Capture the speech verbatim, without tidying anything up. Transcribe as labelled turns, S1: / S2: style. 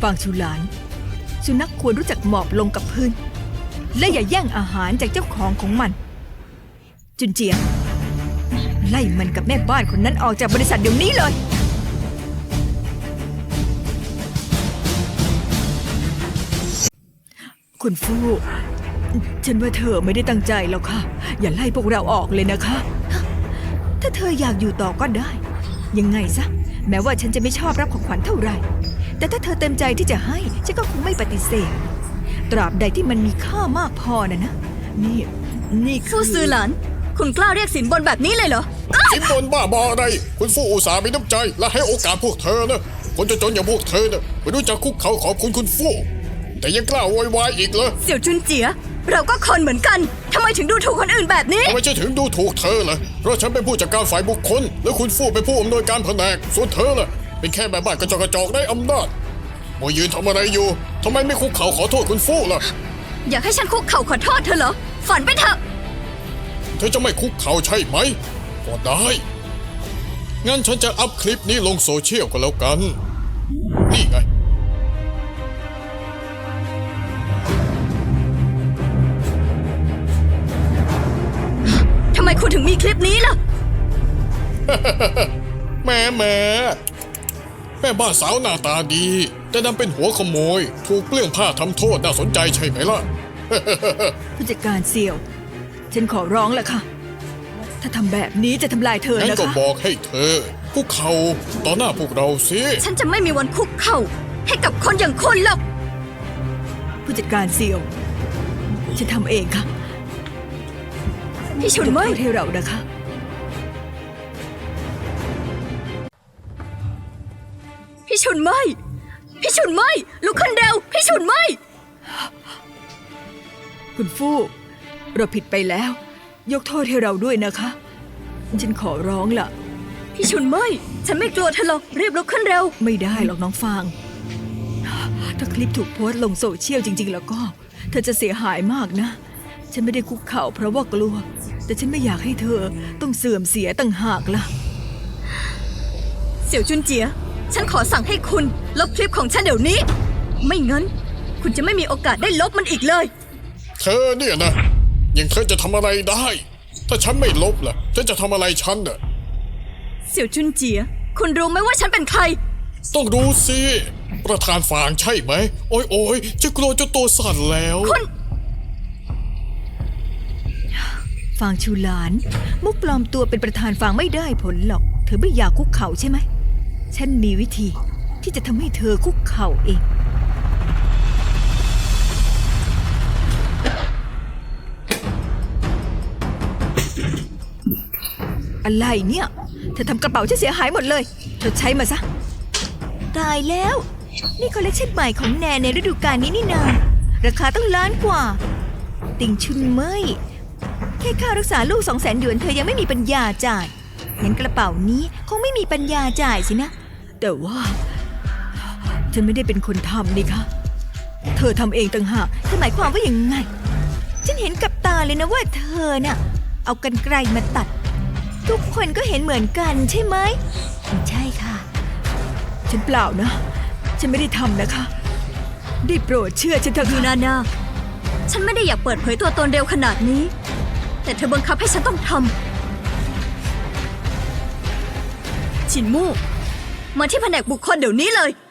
S1: ฟังชูหลานสุนัขควรรู้จักหมอบลงกับพื้นและอย่าแย่งอาหารจากเจ้าของของมันจุนเจียไล่มันกับแม่บ้านคนนั้นออกจากบริษัทเดี๋ยวนี้เลยคุณฟู่ฉันว่าเธอไม่ได้ตั้งใจหรอกค่ะอย่าไล่พวกเราออกเลยนะคะถ้าเธออยากอยู่ต่อก็ได้ยังไงซะแม้ว่าฉันจะไม่ชอบรับของขวัญเท่าไหร่แต่ถ้าเธอเต็มใจที่จะให้ฉันก็คงไม่ปฏิเสธตราบใดที่มันมีค่ามากพอนะนะนี่นี่คือ
S2: ฟู่ซือหลานคุณกล้าเรียกสินบนแบบนี้เลยเหรอ
S3: สินบนบ้าบออะไรคุณฟู่อุตส่าห์มีน้ำใจและให้โอกาสพวกเธอนะคนจนๆอย่างพวกเธอนะไม่รู้จักคุกเขาขอบคุณคุณฟู่แต่ยังกล้าโวยวายอีกเหรอ
S2: เสี่ยวจุนเจียเราก็คนเหมือนกันทำไมถึงดูถูกคนอื่นแบบนี้
S3: ทำไมฉันถึงดูถูกเธอล่ะเพราะฉันเป็นผู้จัดการฝ่ายบุคคลและคุณฟู่เป็นผู้อำนวยการแผนกส่วนเธอล่ะเป็นแค่แม่บ้านกระจอกกระจอกได้อำนาจมายืนทำอะไรอยู่ทำไมไม่คุกเข่าขอโทษคุณฟู่ล่ะ
S2: อยากให้ฉันคุกเข่าขอโทษเธอเหรอฝันไปเถอะ
S3: เธอจะไม่คุกเข่าใช่ไหมก็ได้งั้นฉันจะอัพคลิปนี้ลงโซเชียลก็แล้วกันนี่ไง
S2: ทำไมคุณถึงมีคลิปนี้ล่ะ
S3: แม่แม่แม่บ้านสาวหน้าตาดีแต่นำเป็นหัวขโมยถูกเปลื้องผ้าทำโทษน่าสนใจใช่ไหมล่ะ
S1: ผู้จัดการเสี่ยวฉันขอร้องแหละค่ะถ้าทำแบบนี้จะทำลายเธอ
S3: งั้น
S1: นะ
S3: ก็
S1: คะ
S3: บอกให้เธอคุกเข่าต่อหน้าพวกเราสิ
S2: ฉันจะไม่มีวันคุกเข่าให้กับคนอย่างคุณหรอก
S1: ผู้จัดการเสี่ยวฉันทำเองค่ะ
S2: พี่ชุน
S1: ยก
S2: เมย
S1: โทษให้เรานะคะ
S2: พี่ชุนเมยพี่ชุนเมยลุกขึ้นเร็วพี่ชุนเมย
S1: คุณฟู่เราผิดไปแล้ว ยกโทษให้เราด้วยนะคะฉันขอร้องล่ะ
S2: พี่ชุนเมยฉันไม่กลัวเธอหรอกรีบลุกขึ้นเร็ว
S1: ไม่ได้หรอกน้องฟางถ้าคลิปถูกโพสต์ลงโซเชียลจริงๆแล้วก็เธอจะเสียหายมากนะฉันไม่ได้คุกเข่าเพราะว่ากลัวแต่ฉันไม่อยากให้เธอต้องเสื่อมเสียต่างหากล่ะ
S2: เสี่ยวจุนเจียฉันขอสั่งให้คุณลบคลิปของฉันเดี๋ยวนี้ไม่งั้นคุณจะไม่มีโอกาสได้ลบมันอีกเลย
S3: เธอเนี่ยนะยังเธอจะทำอะไรได้ ถ้าฉันไม่ลบล่ะเธอจะทำอะไรฉันน่ะ
S2: เสี่ยวจุนเจียคุณรู้ไหมว่าฉันเป็นใคร
S3: ต้องรู้สิประธานฝางใช่ไหมโอ้ยโอ้ยจะกลัวจนตัวสั่นแล้ว
S2: คุณ
S1: ฟางชูหลานมุกปลอมตัวเป็นประธานฟางไม่ได้ผลหรอกเธอไม่อยากคุกเข่าใช่ไหมฉันมีวิธีที่จะทำให้เธอคุกเข่าเองอะไรเนี่ยเธอทำกระเป๋าฉันเสียหายหมดเลยเธอใช้มาซะตายแล้วนี่คอลเลคชันใหม่ของแนนในฤดูกาลนี้นี่นาราคาต้องล้านกว่าติ่งชุนเมยแค่ค่ารักษาลูกสองแสนหยวนเธอยังไม่มีปัญญาจ่ายงั้นกระเป๋านี้คงไม่มีปัญญาจ่ายสินะแต่ว่าฉันไม่ได้เป็นคนทำนี่คะเธอทำเองต่างหากเธอหมายความว่าอย่างไงฉันเห็นกับตาเลยนะว่าเธอน่ะเอากรรไกรมาตัดทุกคนก็เห็นเหมือนกันใช่ไหมใช่ค่ะฉันเปล่านะฉันไม่ได้ทำนะคะได้โปรดเชื่อฉันเถอะ
S2: ยู
S1: ค่ะ
S2: นานาฉันไม่ได้อยากเปิดเผยตัวตนเร็วขนาดนี้แต่เธอบังคับให้ฉันต้องทำฉินมู่มาที่แผนกบุคคลเดี๋ยวนี้เลย